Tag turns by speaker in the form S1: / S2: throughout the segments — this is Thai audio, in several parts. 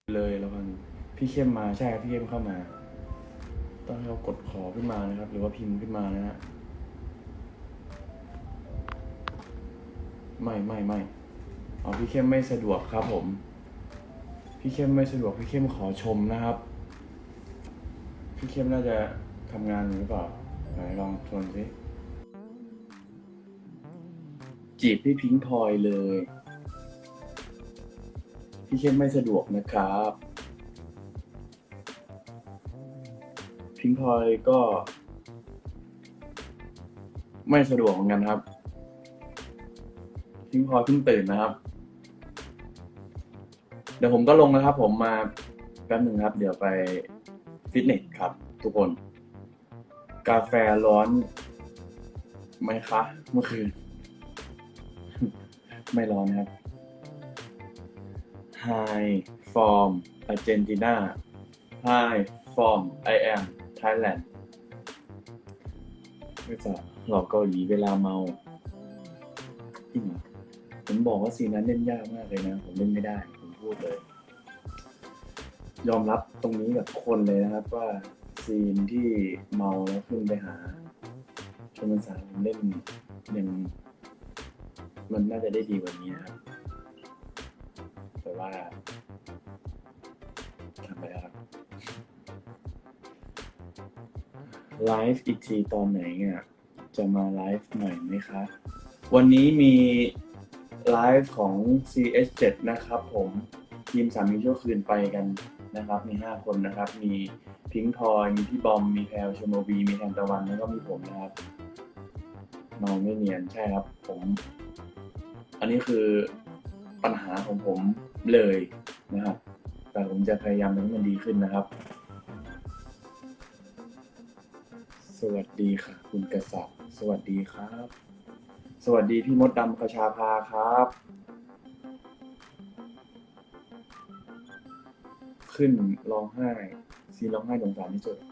S1: เลยแล้วกันพี่เข้มมาใช่ครับพี่เข้มเข้ามาต้องให้เรากดขอขึ้นมานะครับ หรือว่าพิมพ์ขึ้นมานะฮะไม่อ๋อพี่เข้มไม่สะดวกครับผมพี่เข้มไม่สะดวกพี่เข้มขอชมนะครับพี่เข้มน่าจะทำงานหรือเปล่าไหนลองชวนสิจีบพี่พิงค์พลอยเลยพี่เข้มไม่สะดวกนะครับพิงค์พลอยก็ไม่สะดวกเหมือนกันครับพิงค์พลอยเพิ่งตื่นนะครับเดี๋ยวผมก็ลงนะครับผมมาแป๊บหนึ่งครับเดี๋ยวไปฟิตเนสครับทุกคนกาแฟร้อนไหมคะเมื่อคืนไม่ร้อนนะครับ Hi from Argentina Hi from I am Thailand ภาษาหลอกเกาหลีเวลาเมาจริงเหรอผมบอกว่าซีนนั้นเล่นยากมากเลยนะผมเล่นไม่ได้ผมพูดเลยยอมรับตรงนี้กับทุกคนเลยนะครับว่าซีนที่เมาแล้วขึ้นไปหาชมสารผมเล่นยังมันน่าจะได้ดีกว่านี้ครับแต่ว่าทำไปแล้วครับไลฟ์อีกทีตอนไหนเนี่ยจะมาไลฟ์ใหม่ไหมคะวันนี้มีไลฟ์ของ CS7 นะครับผมทีมสามีชั่วคืนไปกันนะครับมี5คนนะครับมีพิงค์พลอยมีพี่บอมมีแพลชโนวีมีแทนตะวันแล้วก็มีผมนะครับเมาไม่เนียนใช่ครับผมอันนี้คือปัญหาของผมเลยนะครับแต่ผมจะพยายามทำให้มันดีขึ้นนะครับสวัสดีค่ะคุณกษัตริย์สวัสดีครับสวัสดีพี่มดดำคชาภาครับขึ้นร้องไห้ซีร้องไห้สงสารที่สุด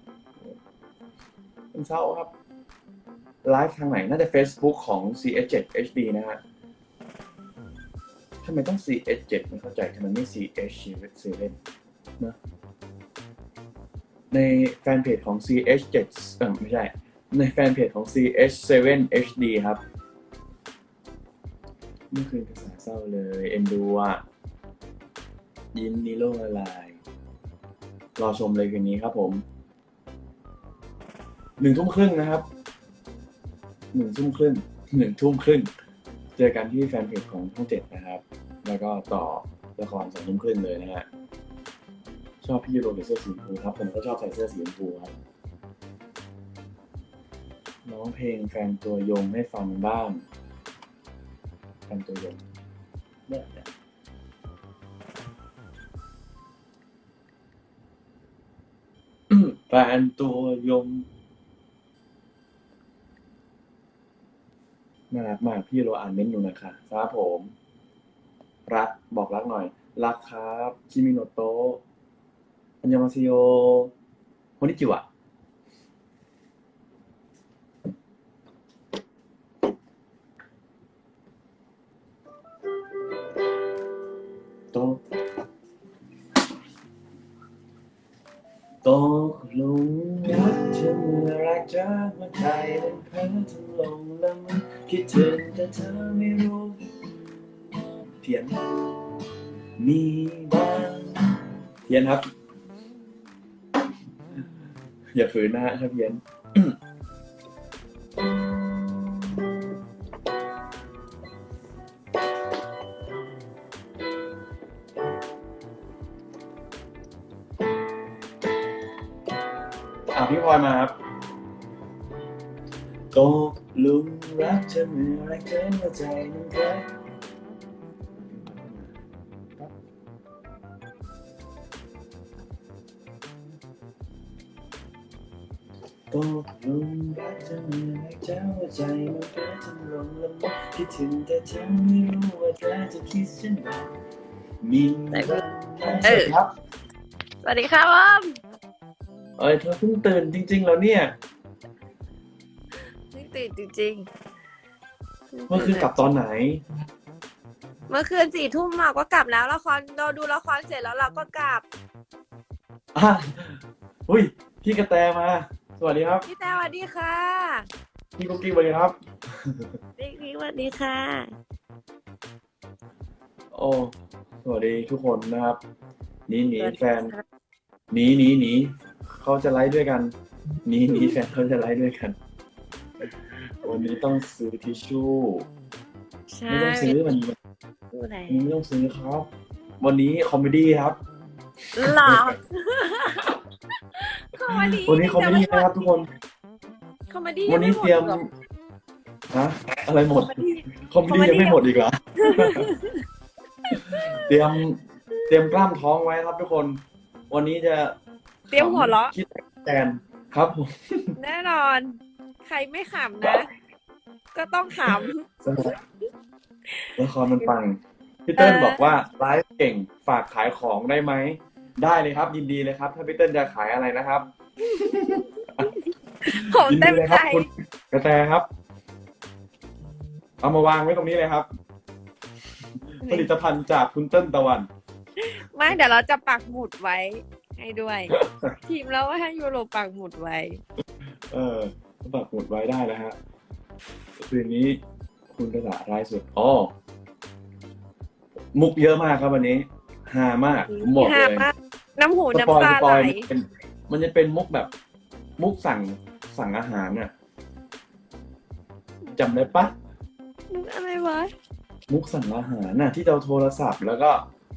S1: เป็นเศร้าครับไลฟ์ทางไหนน่าจะ Facebook ของ CS7HD นะฮะทำไมต้อง CS7 ไม่เข้าใจทำไมไม่ CH7 นะในแฟนเพจของ CH7 ไม่ใช่ในแฟนเพจของ CH7HD ครับเมื่อคืนกระแสเศร้าเลยเอ็นดูอ่ะยิ้มนิโลละลายรอชมเลยคืนนี้ครับผม1 ทุ่มครึ่งนะครับ1 ทุ่มครึ่ง1 ทุ่มครึ่งเจอกันที่แฟนเพจของช่อง7นะครับแล้วก็ต่อละคร2 ทุ่มครึ่งเลยนะฮะชอบพี่ยูโรใส่เสื้อสีชมพูครับผมก็ชอบใส่เสื้อสีชมพูครับร้องเพลงแฟนตัวยงให้ฟังบ้างแฟนตัวยงเนี่ยแฟนตัวยงน่ารักมากพี่ยูโรอ่านเม้นต์อยู่นะคะครับผมรักบอกรักหน่อยรักครับคิมิโนโตะอันยองอาเซโยโคนิจิวะโตตกหลุมรักเธอเมื่อรักจากหัวใจมันเพ้อทำลงละเมอคิดถึงแต่เธอไม่รู้เพียนมีบ้างเพียนครับอย่าฝืนนะฮะถ้าเพียนพี่พลอยมาครับตกหลุมรักเธอเมื่อรักเธอหัวใจมันเพ้อตกหลุมรักเธอเมื่อรักเธอหัวใจมันเพ้อทำลงละเมอคิดถึงแต่เธอไม่รู้ว่าเธอจะคิดเช่นไรมีบ้างสวัสดีครับ
S2: สวัสดีค่ะบอม
S1: เธอเพิ่งตื่นจริงๆแล้วเนี่ย
S2: นี่ตื่นจริง
S1: เมื่อคืนกลับตอนไหน
S2: เมื่อคืน4 ทุ่มเราก็กลับแล้วละครเราดูละครเสร็จแล้วเราก็กลับ
S1: อ่ะอุ้ยพี่กระแตมา สวัสดีครับ
S2: พี่แต่สวัสดีค่ะ
S1: พี่กุ๊กกิ๊กสวัสดีครับ
S2: พี่สวัสดีค่ะ
S1: โอ้สวัสดีทุกคนนะครับหนี
S2: สวัสดี
S1: แฟน
S2: ค่ะ
S1: หนีเขาจะไลฟ์ด้วยกันหนีแฟนเขาจะไลฟ์ด้วยกัน วันนี้ต้องซื้อทิชชู่
S2: ใช่
S1: ไม่ต้องซื้อมัน
S2: ดูไหน
S1: ไม่ต้องซื้อครับ วันนี้คอมเมดี้ครับ
S2: หรอคอมเมดี้
S1: วันนี้คอมเมดี้นะครับทุกคน
S2: คอมเมดี้
S1: วันนี้เตรียมฮะอะไรหมด คอมเมดี้ยังไม่หมดอีกเหรอ เตรียมกล้ามท้องไว้ครับทุกคน วันนี้จะ
S2: เตรียมหัวเราะ
S1: คิดแทนครับผม
S2: แน่นอน ใครไม่ขำนะ ก็ต้องข
S1: ละครมันปังพี่เติ้ลบอกว่าไลฟ์เก่งฝากขายของได้ไหม ได้เลยครับ ยินดีเลยครับ ถ้าพี่เติ้ลจะขายอะไรนะครับ
S2: ำผม
S1: ยิน
S2: เต็
S1: ดี
S2: ม
S1: เลยค
S2: ใจ
S1: รับคุณกระแตครับ เอามาวางไว้ตรงนี้เลยครับ ผลิตภัณฑ์จากคุณเติ้ลตะวัน
S2: ไม่เดี๋ยวเราจะปักหมุดไว้ให้ด้วย ทีมเราให้ยูโรปักหมุดไว้
S1: ปักหมุดไว้ได้แล้วฮะคืนนี้คุณกระดาษรายสุดอ๋อมุกเยอะมากครับวันนี้ฮามากผมบอกเลย
S2: มากน้ำหู
S1: สปอย
S2: น้ำตาไหล
S1: มันจะเป็นมุกแบบ มุกสั่งอาหารน่ะจำได้ปะ
S2: อะไรวะ
S1: มุกสั่งอาหารน่ะ ที่เราโทรศัพท์แล้วก็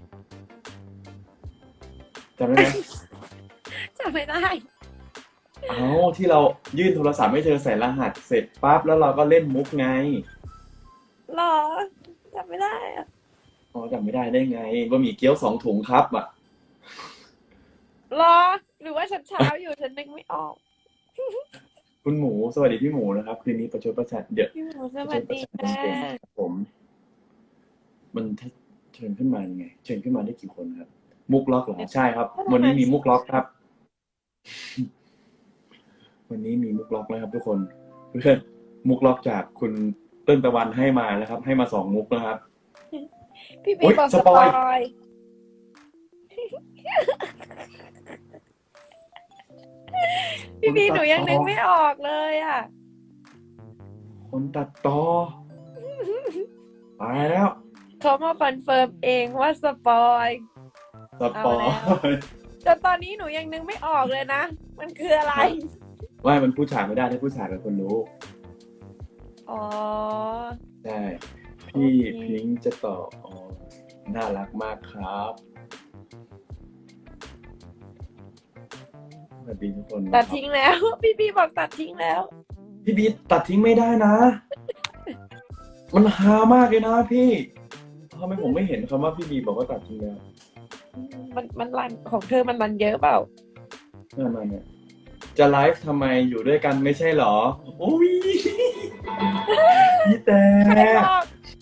S1: จำได้ไหม
S2: จำไม่ได้
S1: เอาที่เรายื่นโทรศัพท์ให้เธอใส่รหัสเสร็จปั๊บแล้วเราก็เล่นมุกไง
S2: หรอจำไม่ได้อะ
S1: อ๋อจำไม่ได้ได้ไงบะหมี่เกี๊ยว2 ถุงครับอ่ะ
S2: หรอ หรือว่าฉันเช้าอยู่ฉันนึกไม่ออก
S1: คุณหมูสวัสดีพี่หมูนะครับคืนนี้ประชดประชันเดี๋ยว
S2: พี่หมูสวัสดีค่ะ
S1: ผม มันเชิญขึ้นมายังไง เชิญขึ้นมาได้กี่คนครับ มุกล็อกเหรอใช่ครับ วันนี้มีมุกล็อกครับ วันนี้มีมุกล็อกนะครับ ทุกคนเพื่อนมุกล็อกจากคุณเติ้ลตะวันให้มานะครับ ให้มา2 มุกนะครับ
S2: พี่
S1: โอ๊
S2: บี
S1: ย
S2: บอก
S1: ส
S2: ส
S1: ป
S2: ป
S1: อ
S2: อย ย พี่บีหนูยังนึกไม่ออกเลยอ่ะ
S1: คนตัดต่อตายแล้ว
S2: เขามาคอนเฟิร์มเองว่าสปอย
S1: สปอ
S2: เอาแล้ว
S1: ย
S2: แต่ตอนนี้หนูยังนึกไม่ออกเลยนะ มันคืออะไร
S1: ว่ามันผู้ชายไม่ได้ถ้าผู้ชายเป็นคนรู้
S2: อ๋อ
S1: ใช่พี่
S2: โอเค
S1: พิงค์จะตอบอ๋อน่ารักมากครับสวัสดีทุกคนนะค
S2: ตั
S1: รั
S2: ด
S1: บ
S2: ทิ้งแล้ว พี่บีบอกตัดทิ้งแล้ว
S1: พี่บีตัดทิ้งไม่ได้นะ มันฮามากเลยนะพี่ทำไมผมไม่เห็นคำว่าพี่บีบอกว่าตัดทิ้งแล้ว
S2: มันรันของเธอมันรันเยอะเปล่า
S1: นั่นมาเนี่ยจะไลฟ์ทำไมอยู่ด้วยกันไม่ใช่หรอโอ้ยพี่แต่
S2: ใครบอก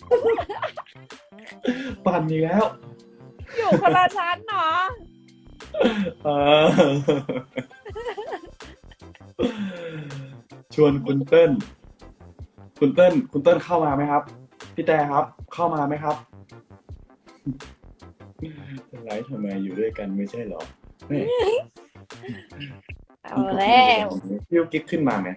S1: ปั่นอีกแล้ว
S2: อยู่คนละชั้นเนาะ
S1: เออชวนคุณเติ้ลคุณเติ้ลเข้ามาไหมครับ พี่แต่ครับ เข้ามาไหมครับไลฟ์ทำไมอยู่ด้วยกันไม่ใช่หรอแม่
S2: เอาแล้ว
S1: พี่กุ๊กกิ๊กขึ้นมาไหม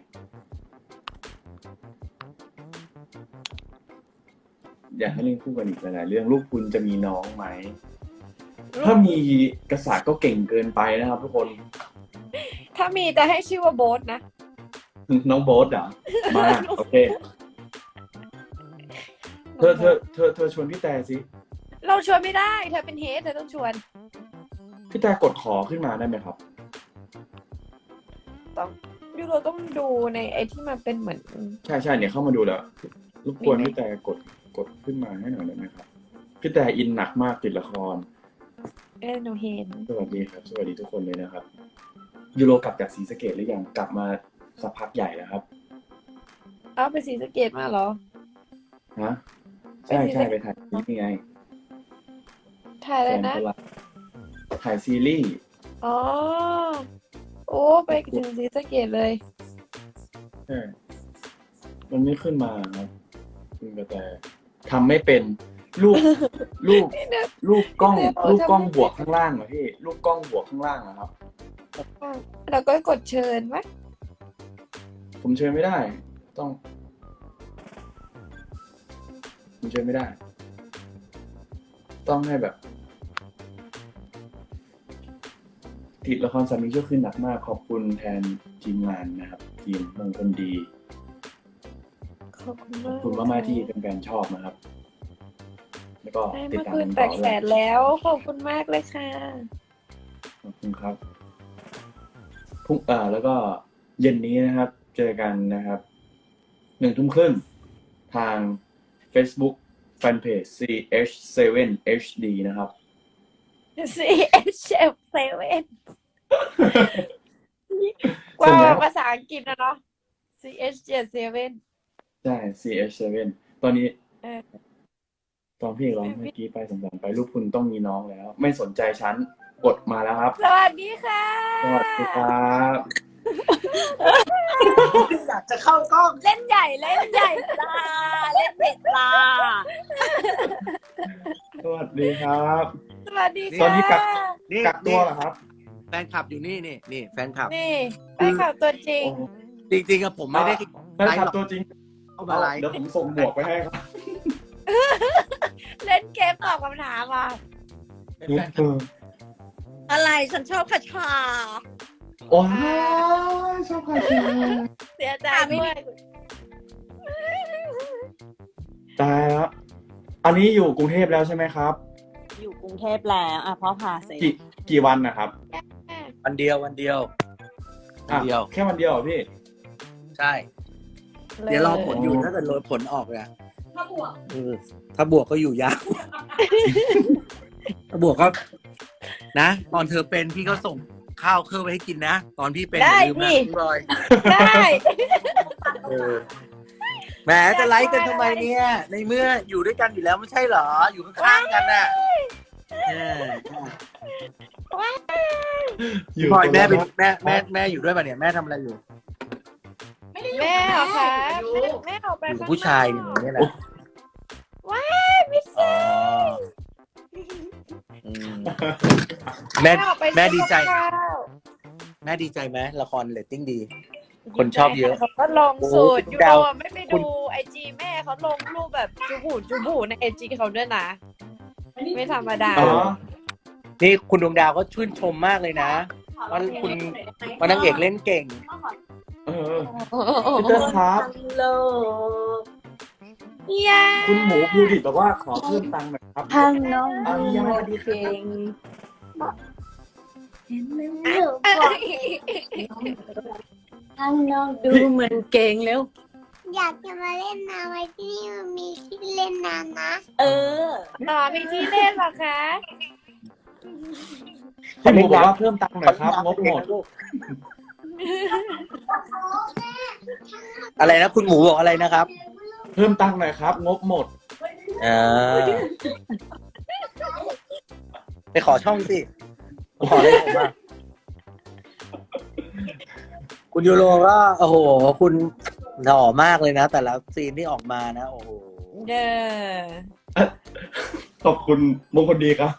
S1: อยากให้เล่นคู่กันอีกหลายๆเรื่องลูกคุณจะมีน้องไหม ถ้ามีกษัตริย์ก็เก่งเกินไปนะครับทุกคน
S2: ถ้ามีจะให้ชื่อว่าโบ๊ทนะ
S1: น้องโบ๊ทเหรอมาโอเคเธอชวนพี่แต่สิ
S2: เราชวนไม่ได้ เธอเป็นเฮดเธอต้องชวน
S1: พี่แต่กดขอขึ้นมาได้ไหมครับ
S2: ต้องยูโรต้องดูในไอที่มันเป็นเหมือน
S1: ใช่เนี่ยเข้ามาดูแล้วรบกวน
S2: มีไหม
S1: พี่แต่กดขึ้นมาให้หน่อยได้ไหมครับพี่แต่อินหนักมากติดละคร
S2: หนูเห็น
S1: สวัสดีครับ สวัสดีทุกคนเลยนะครับยูโรกลับจากศรีสะเกษหรือยังกลับมาสักพักใหญ่แล้วครับ
S2: เอาไปศรีสะเกษมาเหรอ
S1: ฮะใช่ไปถ่ายนี่ไง
S2: ถ่ายอะไรนะ
S1: แฟก็รักถ่ายซีรีส์
S2: อ๋อ โอ้ไปถึงศรีสะเกษเลย
S1: ใช่มันไม่ขึ้นมาครับคุณกระแตทำไม่เป็นรูปรูป
S2: พี่เนย
S1: รูปกล้อง
S2: พี่เนย
S1: รูปกล้อง
S2: จำไม่
S1: บวกข้างล่างเหรอพี่รูปกล้องบวกข้างล่างเหรอครับ
S2: เราก็กดเชิญไหม
S1: ผมเชิญไม่ได้ ต้องผมเชิญไม่ได้ ต้องให้แบบ ติดละครสามีชั่วคืนหนักมากขอบคุณแทนทีมงานนะครับ ทีมมงคลดี
S2: ขอบคุณ
S1: ข
S2: มา
S1: อบ
S2: ก
S1: คุณมากๆที่เป็นแฟนชอบนะครับ แล้วก็
S2: ได้
S1: ติด
S2: มา
S1: ตาม
S2: คืน
S1: กัน
S2: แต
S1: ต่อก
S2: แส
S1: ด้วย
S2: นแล้วขอบคุณมากเลยค่ะ
S1: ขอบคุณครับพรุ่งแล้วก็เย็นนี้นะครับ เจอกันนะครับ1 ทุ่มครึ่งทาง Facebook Fanpage CH7HD นะครับ
S2: CHF7
S1: ส่วนใหญ่
S2: ว่าภาษาอังกฤษนะเนาะ CH77
S1: ใช่ CH7 ตอนนี้
S2: เออ
S1: ตอนพี่ร้องเมื่อกี้ไปสงสารไปลูกคุณต้องมีน้องแล้ว ไม่สนใจฉันกดมาแล้วครับ
S2: สวัสดีค่ะ
S1: สวัสดีครับ
S3: อยากจะเข้ากล้อง
S2: เล่นใหญ่เล่นใหญ่จ้าเล่นเด็ดจ้า
S1: สวัสดีครับ
S2: สวัสดี
S1: ตอ
S2: ค่ะ
S1: นนี้กัก
S3: นี่
S1: กักตัวเหรอครับ
S3: แฟนคลับอยู่นี่แฟนคลับ
S2: นี่แฟนคลับตัวจริง
S1: โอ้
S3: จริงๆอะผมไม่ได้
S1: แฟนคลับตัวจริง
S3: เข้ามาไลฟ์
S1: เดี๋ยวผมส่งหมวกไปให้ครับ
S2: เล่นเกมตอบคำถามอ่ะ
S3: เป็นแฟนคลับ
S2: อะไรฉันชอบคาชา
S1: ว้าวชอบใครจัง
S2: เสียใจด้วย
S1: ตายแล้วอันนี้อยู่กรุงเทพแล้วใช่ไหมครับ
S4: อยู่กรุงเทพแล้วอ่ะพ่อพาเสร็จ
S1: กี่วันนะครับ
S3: วันเดียววันเดียว
S1: อ่ะแค่วันเดียวเหรอพี่
S3: ใช่ เดี๋ยวรอผลอยู่ถ้าเกิดผลออกเนี่ยถ้าบวกก็อยู่ยาว ถ้าบวกก็นะ ตอนเธอเป็นพี่ก็ส่งข้าวเครื่องไปให้กินนะ ตอนพี่เป็นอย่าลืมนะพี่บอย
S2: ได้
S3: แหมจะไลฟ์กันทำไมเนี่ย ในเมื่ออยู่ด้วยกันอยู่แล้วไม่ใช่เหรอ อยู่ข้างๆกันน่ะพี่บอยแม่เป็นแม่อยู่ด้วยป่ะเนี่ยแม่ทำอะไรอยู่
S2: แม่เหรอคะแม่ออกไป
S3: อยู่
S2: ข้างนอก
S3: ผู้ชายอย่างนี้แหละ
S2: ว้ายมิสซี่
S3: อืมแม่
S2: ออกไป
S3: แม่ดีใจ
S2: ซื้อกับข้าว
S3: แม่ดีใจไหมละครเรตติ้งดี คนชอบเยอะ
S2: เขาก็ลงสูตร
S3: โอ้
S2: ยู
S3: ดาว
S2: โรไม่ไปดูไอจีแม่เขาลงรูปแบบจูบูในไอจีเขาด้วยนะ ไม่ธรรมดา
S1: อ๋อ
S3: นี่คุณดวงดาวก็ชื่นชมมากเลยนะว่าคุณว่านางเอกเล่นเก่ง
S1: เออพี่เติ้ลครับ
S4: โล
S2: เนี่ย
S1: คุณหมูภูดิตบอกว่าขอเพิ่มตังค์หน่อยครับ
S4: ทางน้อง
S1: เอาเยี่ยม
S4: ดีเก่งเห็นไหมทางน้องดูเหมือนเก่งแล้ว
S5: อยากจะมาเล่นน้ำไว้ที่นี่มันมีที่เล่นน้ำนะ
S4: เออ
S2: ต่อมีที่เล่นเหรอคะ
S1: พี่หมูบอกว่าเพิ่มตังค์หน่อยครับงบหมด
S3: อะไรนะคุณหมูบอกอะไรนะครับ
S1: เพิ่มตังค์หน่อยครับ งบหมด
S3: ไปขอช่องสิขออะไรผมอ่ะคุณยูโรก็โอ้โห คุณหล่อมากเลยนะ แต่ละซีนที่ออกมานะ โอ้โห
S2: เด้อ
S1: ขอบคุณมงคลดีครับ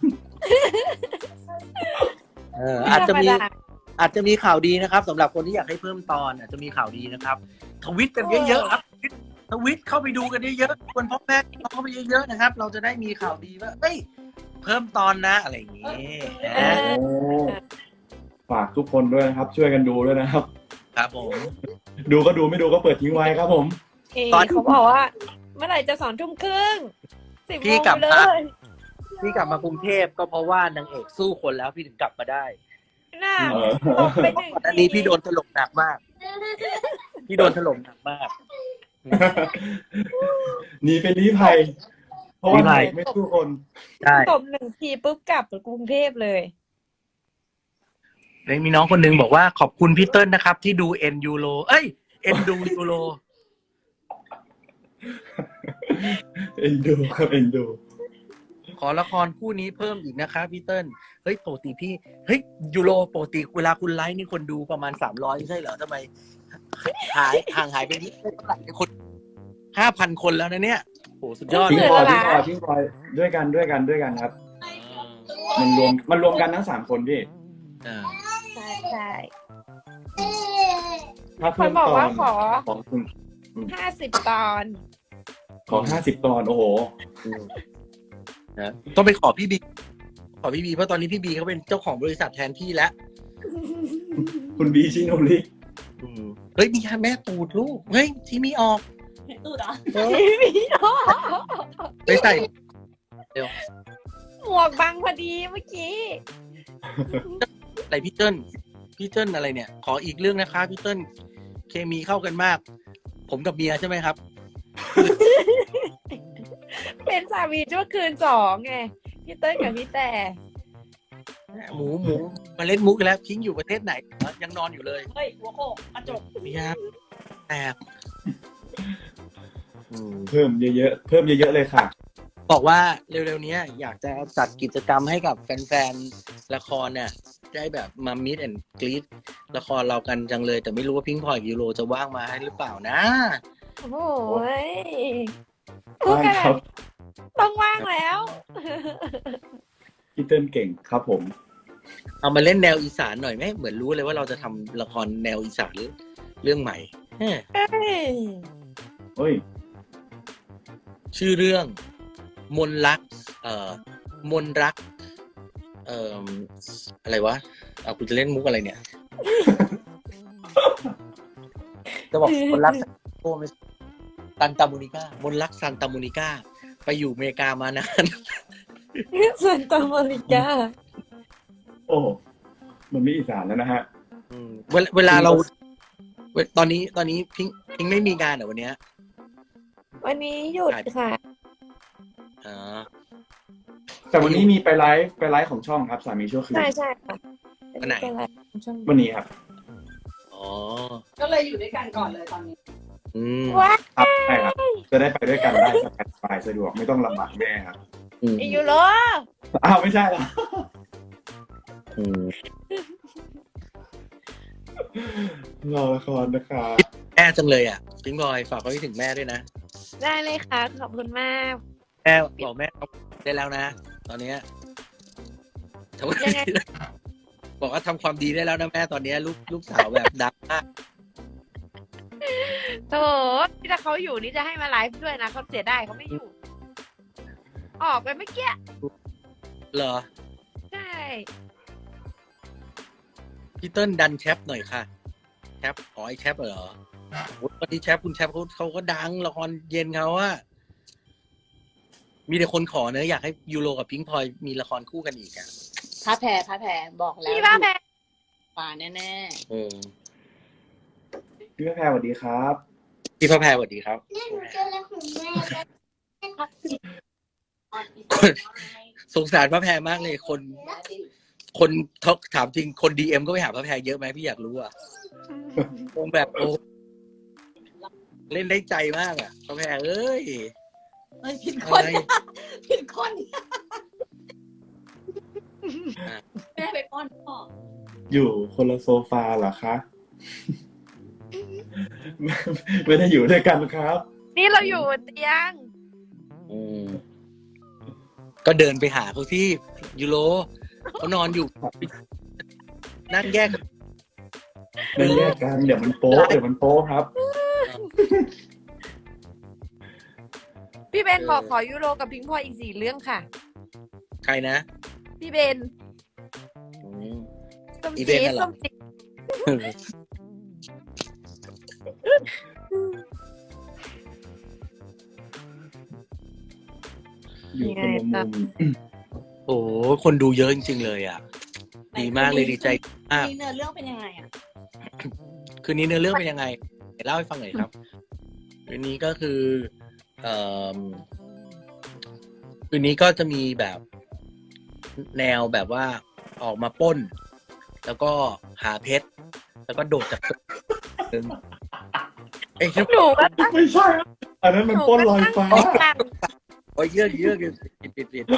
S3: อาจจะมีข่าวดีนะครับสำหรับคนที่อยากให้เพิ่มตอนอาจจะมีข่าวดีนะครับทวิตกันเยอะๆครับทวิตเข้าไปดูกันเยอะๆคนพ่อแม่เข้าไปเยอะๆนะครับ เราจะได้มีข่าวดีว่าเฮ้ยเพิ่มตอนนะอะไรอย่างนี้นะ
S1: โอ้ฝากทุกคนด้วยนะครับ ช่วยกันดูด้วยนะครับ
S3: ครับผม
S1: ดูก็ดูไม่ดูก็เปิดทิ้งไว้ครับผม
S2: ตอนเขาบอกว่า เมื่อไหร่จะ2 ทุ่มครึ่ง10
S3: พี่
S2: โมง
S3: กลับ
S2: เล
S3: มาย พี่กลับมากรุงเทพก็เพราะว่านางเอกสู้คนแล้วพี่ถึงกลับมาได้
S2: น่า
S1: เออ
S2: ลงไป1
S3: อันนี้พี่โดนถล่มหนักมาก พี่โดนถล่มหนักมาก
S1: หนีเป็นลี้ภัย เพราะว่า
S3: ลี้ภัย
S1: ไม่สู้คน
S3: ใช่
S2: ตบ1 ทีปุ๊บกลับกรุงเทพเลย
S3: มีน้องคนหนึงบอกว่าขอบคุณพี่เติ้ลนะครับ ที่ดูเอ็นยูโรเอ้ยเอ็นดูยูโร
S1: เอ็นดูครับเอ็นดู
S3: ขอละครคู่นี้เพิ่มอีกนะคะพี่เติ้ลเฮ้ยปกติพี่เฮ้ยยูโรปกติเวลาคุณไลฟ์นี่คนดูประมาณ300ไม่ใช่เหรอทำไมห่างหายไปนิดเท่าไหร่คน5,000 คนแล้วนะเนี่ยโหสุดยอด
S1: พิง
S3: เลย
S1: พลอย
S2: เหรอ
S1: พิงพลอยด้วยกันครับ มันรวมกันทั้ง3 คนพี่
S3: อ่า
S2: ใช่ใช่
S1: ถ้า
S2: ค
S1: เพิ่
S2: น
S1: ม
S2: บอก
S1: ตอ
S2: ว่าน ขอ
S1: ของคุณ
S2: 50 ตอน
S1: ขอ50 ตอนโอ้โห
S3: นะต้องไปขอพี่บีเพราะตอนนี้พี่บีเขาเป็นเจ้าของบริษัทแทนที่แล้ว
S1: คุณบีชิโนริ
S3: เฮ้ยมีแม่ตูดลูกเฮ้ยที่มีออก
S4: ตูดเหรอ
S3: เออ
S2: ทีวี
S3: ไปใส่
S2: หมวกบังพอดีเมื่อกี้
S3: ใส่พี่เติ้ลอะไรเนี่ย ขออีกเรื่องนะคะพี่เติ้ลเคมีเข้ากันมาก ผมกับเมียใช่ไหมครับ
S2: เป็นสามีชั่วคืน2ไงพี่เต้ยกับพี่แต่
S3: หมูมาเล่นมุกอีกแล้วพิงอยู่ประเทศไหนยังนอนอยู่เลย
S4: เฮ้ย หัวโขกกระจก
S3: เมียแตก
S1: เพิ่มเยอะๆเลยค่ะ
S3: บอกว่าเร็วๆนี้อยากจะจัดกิจกรรมให้กับแฟนๆละครเนี่ยได้แบบมามิดแอนด์กรีดละครเรากันจังเลย แต่ไม่รู้ว่าพิงพลอยกับยูโรจะว่างมาให้หรือเปล่านะ
S2: โอ้โหพูด
S1: ว่าง
S2: ขนา
S1: ครั
S2: ด
S1: บ
S2: ต้องว่างแล้ว
S1: พี่เติ้ลเก่งครับผม
S3: เอามาเล่นแนวอีสานหน่อยไหมเหมือนรู้เลยว่าเราจะทำละครแนวอีสานเรื่องใหม่เฮ้ย
S1: เฮ้ย
S3: ชื่อเรื่องมนรักมนรักอะไรวะเอากูจะเล่นมุกอะไรเนี่ย จะบอกมนรักโอ้ไม่ซันตามูนิก้ามนรักซันตามูนิก้าไปอยู่อเมริกามานาน
S2: ส่วนตอมอริกา
S1: โอ้มันไม่อีสานแล้วนะฮะ
S3: เวลาเราตอนนี้พิงไม่มีงานเหรอวันเนี้ย
S2: วันนี้หยุดค่ะ
S3: อ๋อ
S1: แต่วันนี้มีไปไลฟ์ของช่องครับสามีชั่วคืน
S2: ใช่ใช่ค่ะ
S3: วันไหน
S1: วันนี้ครับ
S3: อ๋อ
S4: ก็เลยอยู่ด้วยกันก่อนเลยตอนนี้
S2: ว้า
S1: ครับใช่ครับ จะได้ไปด้วยกันได้สบายสะดวกไม่ต้องลำบากแม่ครับ
S2: อียูโร
S1: อ้าวไม่ใช่เหรอรอละครนะครับ
S3: แม่จังเลยอ่ะพิงบอยฝากไว้ถึงแม่ด้วยนะ
S2: ได้เลยค่ะ ขอบคุณมาก
S3: แม่บอกแม่ได้แล้วนะ ตอนเนี้ยทำ
S2: ยังไง
S3: บอกว่าทำความดีได้แล้วนะแม่ตอนเนี้ยลูกสาวแบบดังมาก
S2: โถที่ถ้าเขาอยู่นี่จะให้มาไลฟ์ด้วยนะเขาเสียดายเขาไม่อยู่ ออกไปเมื่อกี้
S3: เหรอ
S2: ใช่
S3: พี่เติ้ลดันแชปหน่อยค่ะแชปอ๋อไอแชปเหรอโอ้ยวันนี้แชปคุณแชปเขาก็ดังละครเย็นเขาอะมีแต่คนขอเนอะอยากให้ยูโรกับพิงพลอยมีละครคู่กันอีกอะ
S4: พระแพรบอกแล้ว
S2: พี่บ้าแม่
S4: ป่าแน่
S1: พี่แพรสวัสดีครับ
S3: พี่พระแพรสวัสดีครับ
S5: นี่หนูเจอแล้วของแม่แล้ว
S3: สงสารพระแพรมากเลยคนถามจริงคนดีเอ็มก็ไปหาพระแพรเยอะไหมพี่อยากรู้อ่ะคงแบบโอ้เล่นได้ใจมากอ่ะพระแพรเอ้ย
S4: ๆเฮ้ยผิดคน
S3: อะไร
S4: ผิดคนแม่ไปป้อนพ่อ
S1: อยู่คนละโซฟาเหรอคะ ไม่ได้อยู่ด้วยกันครับ
S2: นี่เราอยู่บนเตียง
S3: ก็เดินไปหาเขาที่ยูโรเขานอนอยู่นั่งแยก
S1: ไม่แยกกันเดี๋ยวมันโป๊ะครับ
S2: พี่เบนบอกขอยูโรกับพิงพลอยอีก4 เรื่องค่ะ
S3: ใครนะ
S2: พี่เบน
S3: อืม
S2: ส้ม
S3: อีเบ
S2: จี
S3: นน่ะเหรอ
S2: ส้มจี
S1: อยู่คนละมุม
S3: โอ้คนดูเยอะจริงๆเลยอ่ะ ดีมากเลยดีใจมาก
S4: นี่เนื้อเรื่องเป็นยังไงอ่ะ
S3: คืนนี้เนื้อเรื่องเป็นยังไงเล่าให้ฟังหน่อยครับคืนนี้ก็คือคืนนี้ก็จะมีแบบแนวแบบว่าออกมาปล้น แล้วก็หาเพชรแล้วก็โดดจากตึกเอ้ย
S2: หนูก็
S1: ไม่ใช่ครับอันนั้นมันปล้นลอยฟ้า
S2: ตั้ง
S3: โอ้ยเยอะปิด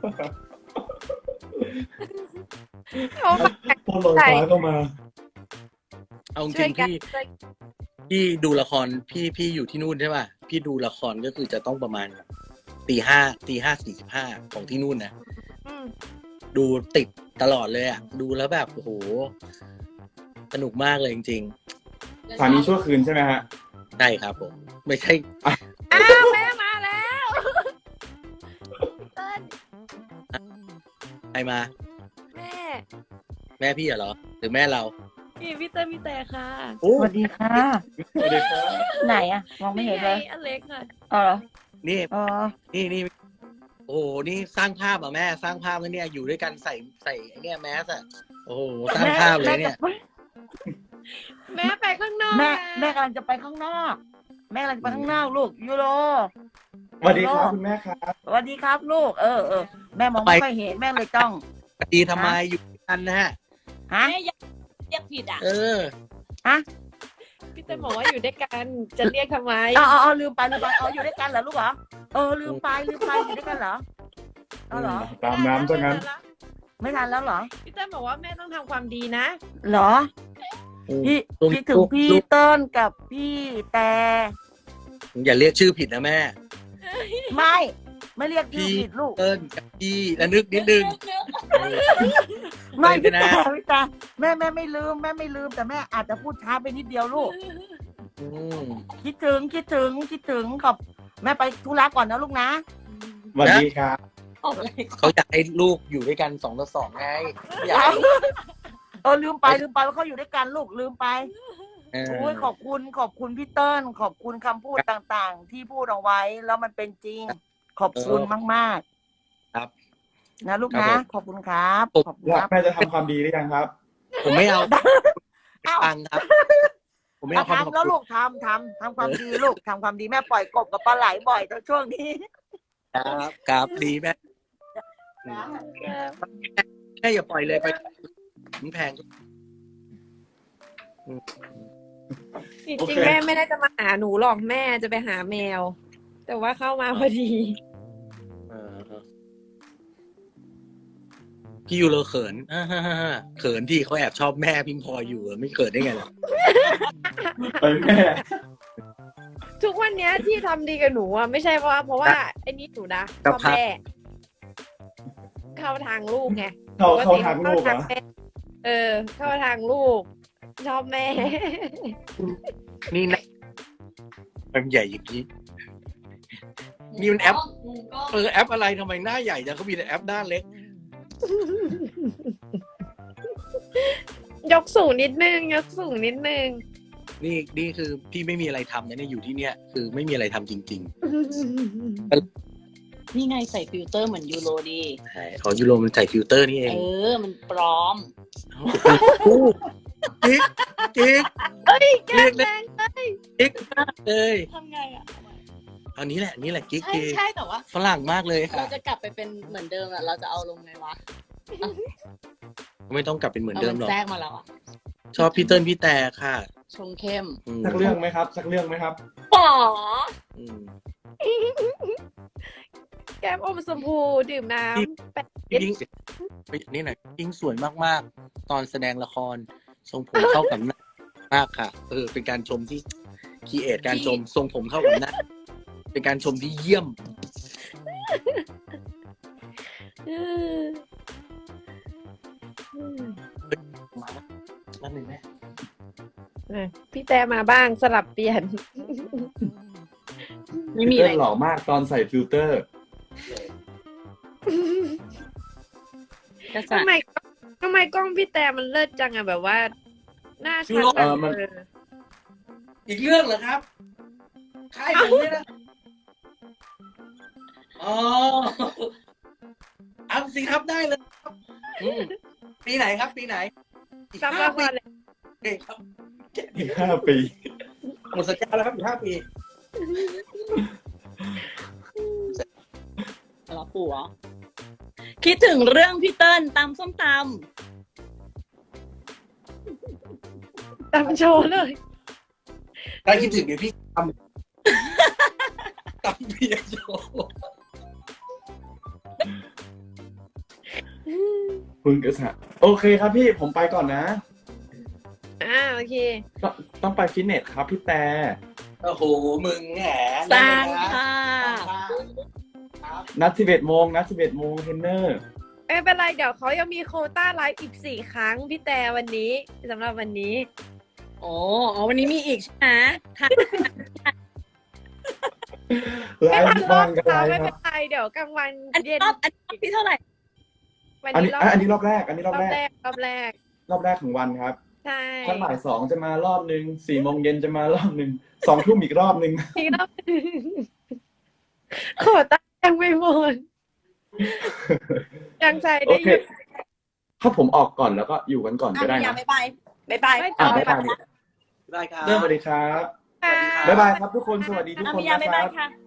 S2: เขามา
S1: ปล้นลอยฟ้าเข้ามา
S3: เอาจ
S2: ช่
S3: ริ
S2: วย
S3: ง
S2: กัน
S3: พี่ดูละครพี่อยู่ที่นู่นใช่ป่ะพี่ดูละครก็คือจะต้องประมาณตีห้า 45ของที่นู่นนะ
S2: อืม
S3: ดูติดตลอดเลยอ่ะ ดูแล้วแบบโอ้โหสนุกมากเลยจริง
S1: สามีชั่วคืนใช่ไหมฮะ
S3: ๆใช่ครับผม ไม่ใช่
S2: อ้าวแม่มาแล้วเติ้ล
S3: ใครมา
S2: แม่
S3: แม่พี่เหรอ หรือแม่เรา
S2: นี่พี่เติ้ลพี่แต่ค่ะ
S3: โอ้
S6: สวัสดีค่ะ
S1: สวัสดีครับ
S6: ไหนอะมองไม่เห็นเลย
S2: ไงอเล็กค่ะ
S6: อ๋อเหรอ
S3: นี่
S6: อ๋อ
S3: นี่โอ้โหนี่สร้างภาพอ่ะแม่สร้างภาพแล้วเนี่ยอยู่ด้วยกันใส่ไอ้เนี่ยแมสอ่ะโอ้โหสร้างภาพเลยเนี่ย
S2: แม่ไปข้างนอก
S6: แม่
S2: นะ
S6: แม่กำลังจะไปข้างนอก แม่กำลังจะไปข้างนอกลูกยูโร
S1: สวัสดีครับคุณแม่ครับ
S6: สวัสดีครับลูกแม่มองไม่ค่อยเห็นแม่เลยต้อง
S3: ดีทำไมอยู่ด้วยกันนะฮะ
S6: ฮะ
S4: แม่อยากเรียกผิดอ่ะ
S3: เออ
S6: ฮะ
S2: พี่เติ้ลบอกว่าอยู่ด้วยกันจะเรียกทำไม
S6: อ๋อลืมไปอยู่ด้วยกันเหรอลูกเหรอลืมไปอยู่ด้วยกันเหรออ๋อเหรอ
S1: ตามน้ำซะงั้น
S6: ไม่ทันแล้วเหรอ
S2: พี่เติ้ลบอกว่าแม่ต้องทำความดีนะ
S6: เหรอพี่คิดถึงพี่เติ้ลกับพี่แต่
S3: อย่าเรียกชื่อผิดนะแม่
S6: ไม่เรียกชื่อผิดลูก
S3: เติ้ลกับพี่แล้วนึกนิดนึง
S6: ไม่
S3: ไป
S6: พี่
S3: นะ
S6: แต่แม่ไม่ลืมแต่แม่อาจจะพูดช้าไปนิดเดียวลูก
S3: อืม
S6: คิดถึงขอบแม่ไปธุระก่อนนะลูกนะ
S1: สวัสดีครับ
S4: ออกอะไร
S3: เขาอยากให้ลูกอยู่ด้วยกัน2 ต่อ 2ไงอยากให้
S6: ลืมไปว่าเขาอยู่ด้วยกันลูกลืมไป
S3: เออ
S6: โอ้ยขอบคุณพี่เติ้ลขอบคุณคำพูดต่างๆ ที่พูดเอาไว้แล้วมันเป็นจริง ขอบคุณมาก
S3: ครับ
S6: ๆนะลูกนะขอบคุณครับขอบคุณ
S1: แล้ว
S6: ครับ
S1: แม่จะทำความดีหรือยังครับ
S3: ผมไม่เอา
S6: เอ้า
S3: ตังค์ครับ ผมไม่เอาความขอบ
S6: ทำแล้ว
S3: คุณ
S6: ลูกทำความดีลูกทำความดีแม่ปล่อยกบกับปลาไหลบ่อยในช่วงนี้
S3: ครับดีแม่แม่อย่าปล่อยเลยไปมันแพง
S2: จริงๆแม่ไม่ได้จะมาหาหนูหรอกแม่จะไปหาแมว แต่ว่าเข้ามาพอดี
S3: พี่ยูโรเขินเขินที่เขาแอบชอบแม่พิมพลอยอยู่ไม่เขินได้ไงล่ะ
S1: ไปแม่
S2: ทุกวันเนี้ยที่ทำดีกับหนูอ่ะไม่ใช่เพราะว่าไอ้นี่หนูนะชอบแม่เข้าทางลูกไง
S1: เข้าทางลูกเหรอ
S2: เข้าทางลูก ชอบแม่
S3: นี่นะมันใหญ่อย่างนี้ นี่มันแอป
S4: มุมกล้อง
S3: แอปอะไรทำไมหน้าใหญ่จังเขามีแต่แอปหน้าเล็ก
S2: ยกสูงนิดนึง
S3: นี่คือพี่ไม่มีอะไรทำนะเนี่ยอยู่ที่เนี่ยคือไม่มีอะไรทำจริง
S4: นี่ไงใส่ฟิลเตอร์เหมือนยูโรดี
S3: ๆใช่ของยูโรมันใส่ฟิลเตอร์นี่เอง
S4: มันปลอม
S3: จิ๊กจิ๊ก
S2: เอ้ยแก
S3: เรียก
S2: แร
S3: ได้
S2: ง
S3: จิ๊กมากเลย
S4: ทำไงอ่ะ
S3: อันนี้แหละกิ๊ก
S4: ใช่แต่ว่า
S3: ฝรั่งมากเลย
S4: เรา
S3: ค่ะ
S4: จะกลับไปเป็นเหมือนเดิมอ่ะ เราจะเอาลงไงวะ
S3: ไม่ต้องกลับเป็นเหมือนเดิมหรอก
S4: แทรกมาแล้วอ่ะ
S3: ชอบพี่เติ้ลพี่แต่ค่ะ
S4: ชงเข้ม
S1: สักเรื่องไหมครับ
S4: ป๋อ
S3: อืม
S2: แก้มอมชมพูดื่มน้ำแปะ
S3: ยิ่งนี่หน่อยยิ่งสวยมากๆ ตอนแสดงละคร ทรงผมเข้ากับหน้ามากค่ะ เป็นการชมที่คีเอทการชมทรงผมเข้ากับหน้า เป็นการชมที่เยี่ยม นั่นหนึ่งไหม
S2: พี่แต่มาบ้างสลับเปลี่ยน
S4: ไม่มี
S1: เต้
S4: อะไร
S1: นหล่อมากตอนใส่ฟิลเตอร์
S4: กระสั
S2: ทำไมกล้องพี่แต่มันเลิศจังอะแบบว่า หน้าชัด
S1: มัน
S3: อีกเรื่องเหรอครับค่ายผมเนี่ยนะอ๋อเอาสิครับได้เลยครับปีไหนครับ ปีไหนอีก
S2: จำ
S3: ห้า
S2: ละค
S3: ปี
S2: รเลย
S3: เองครับ
S1: อีก5 ปี
S3: หมดสัญญาแล้วครับอีก5 ปี
S4: เหรอปู่เหรอคิดถึงเรื่องพี่เติ้ลตำส้มต
S2: ตามโชว์เลย
S3: ถ้าคิดถึงเดี๋ยวพี่ตำเบียร์โชว์
S1: คุณกษัตริย์โอเคครับพี่ผมไปก่อนนะ
S2: โอเค
S1: ต้องไปฟิตเนสครับพี่แต่
S3: โอ้โหมึงแหม
S4: ำสร้างค่ะ
S1: นัด11 โมงเทรนเนอร์
S2: ไม่เป็นไรเดี๋ยวเขายังมีโควต้าไลฟ์อีก4 ครั้งพี่แต่วันนี้สำหรับวันนี้
S4: อ๋อวันนี้มีอีกใช่ไหมค่ะ
S1: ไล
S2: ไม่ทัน
S1: ฟ์
S2: รอ
S1: บ้า
S2: บ
S1: งกัน
S2: เช้า
S1: ไล
S2: ไม่
S1: ฟ์ค
S2: เป็
S1: รั
S2: น
S1: บ
S2: ไรเดี๋ยวกลางวัน
S4: อันนี้
S2: เย็น
S4: รอบที่เท่าไหร่
S2: วัน
S1: อัน
S2: นี้
S1: นี้อันนี้รอบแรกอันนี้รอบแรก
S2: รอบแรก
S1: รอบแรกของวันครับ
S2: ใช่
S1: ถ้าบ่าย 2จะมารอบนึง4 โมงเย็นจะมารอบนึง2 ทุ่มอีกรอบนึง
S2: อีกรอบโควต้ายังไม่หมดยังใช้
S1: โอ
S2: ได้
S1: เค
S2: อยู่
S1: ถ้าผมออกก่อนแล้วก็อยู่กันก่อนก็ได้
S4: พี่ยา
S1: นะ
S4: บ๊ายบายบ๊ายบาย
S2: ไม่
S1: อ่ะ
S2: ต่อ
S1: บ๊ายบาย
S3: ได้ครับ
S1: เริ่มสวัสดีครับ
S2: ค่ะ
S1: บ๊ายบายครับทุกคนสวัสดีทุกคน
S4: พี่ยา
S1: นะ
S4: บ๊าย
S1: ค
S4: บา
S1: รั
S4: ย
S1: บ
S4: ค่ะ